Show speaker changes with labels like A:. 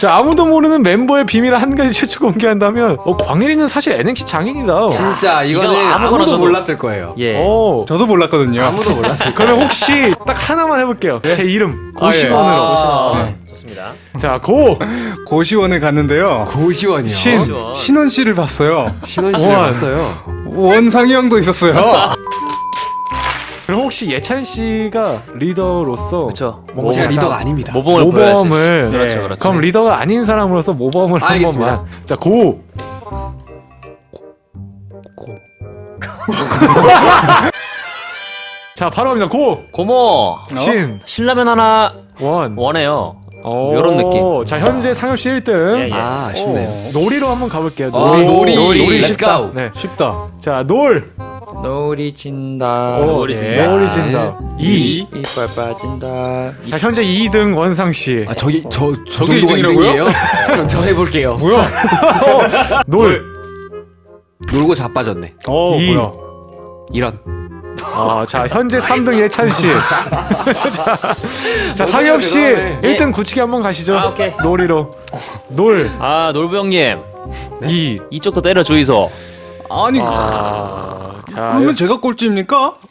A: 자, 아무도 모르는 멤버의 비밀을 한 가지 최초 공개한다면 광일이는 사실 NNC 장인이다.
B: 진짜 이거는 아무도 몰랐을 거예요.
C: 예.
D: 저도 몰랐거든요.
B: 아무도 몰랐을 거예요.
A: 그러면 혹시 딱 하나만 해볼게요. 제 이름 고시원으로.
C: 아, 좋습니다.
A: 자,
D: 고시원에 갔는데요.
B: 고시원이요.
D: 신원 씨를 봤어요.
B: 신원 씨를
A: 원.
B: 봤어요.
D: 원상이 형도 있었어요.
A: 그럼 혹시 예찬 씨가 리더로서
C: 그렇죠.
A: 뭔가
B: 제가
A: 약간
B: 리더가 아닙니다.
C: 모범을 보여야지.
A: 모범을
C: 그렇죠, 그렇죠.
A: 그럼 리더가 아닌 사람으로서 모범을 한
B: 알겠습니다.
A: 번만. 자, 고. 자, 바로 갑니다. 고.
C: 고모 신라면 하나
A: 원.
C: 원해요.
A: 오,
C: 요런 느낌.
A: 자, 현재 상엽 씨 1등.
C: 예, 예.
B: 아, 아쉽네요.
A: 놀이로 한번 가볼게요.
B: 놀이.
A: 놀이
B: Let's
A: 쉽다.
B: go.
A: 네.
D: 쉽다.
A: 자, 놀.
E: 놀이 진다.
C: 놀이 진다.
A: 놀이 진다. 이.
E: 이빨 빠진다.
A: 자, 현재 2등 원상 씨.
B: 아, 저기
D: 저게
B: 정도가
D: 2등이라고요?
B: 2등이에요? 그럼 저 해볼게요.
A: 뭐야? 놀.
B: 놀고 자빠졌네.
A: 이.
D: 뭐야?
B: 이런.
A: 자, 현재 3등 예찬 씨. 자, 상엽 씨
B: 대단하네.
A: 1등 굳히기 한번 가시죠.
C: 아, 오케이.
A: 놀이로. 놀.
C: 아 놀부 형님
A: 이.
C: 이쪽도 때려 주이소.
D: 아니
A: 자,
D: 그러면 제가 꼴찌입니까?